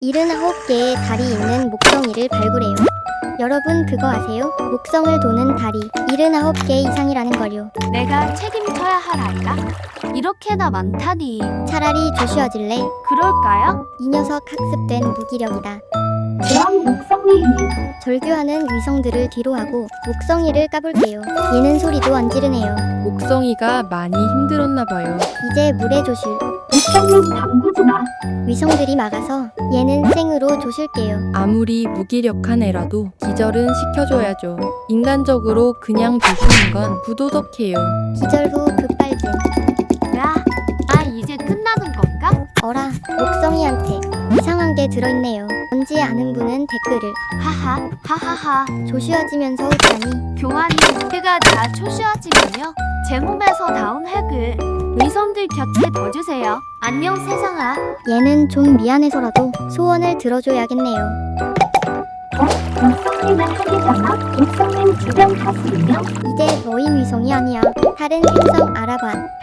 79개의 달이 있는 목성이를 발굴해요. 여러분 그거 아세요? 목성을 도는 달이 79개 이상이라는 걸요. 내가 책임져야 할 아이가 이렇게나 많다니. 차라리 조슈아질래? 그럴까요? 이 녀석 학습된 무기력이다. 그럼 목성이는 절규하는 위성들을 뒤로하고 목성이를 까볼게요. 얘는 소리도 안 지르네요. 목성이가 많이 힘들었나 봐요. 이제 물에 조실. 목성은 담그지마. 위성들이 막아서 얘는 생으로 조실게요. 아무리 무기력한 애라도 기절은 시켜줘야죠. 인간적으로 그냥 두시는 건 부도덕해요. 기절 후 급발진. 야, 이제 끝나는 건가? 어라, 목성이한테 이상한 게 들어있네요. 뭔지 아는 분은 댓글을. 하하하. 조슈아지면서 웃다니. 교환이 해가 다 초시화지면요. 제 몸에서 나온 핵을 위성들 곁에 둬주세요. 안녕 세상아. 얘는 좀 미안해서라도 소원을 들어줘야겠네요. 목성이는 핵이잖아. 목성은 주변 다스리며 이제 너희 위성이 아니야. 다른 행성 알아봐.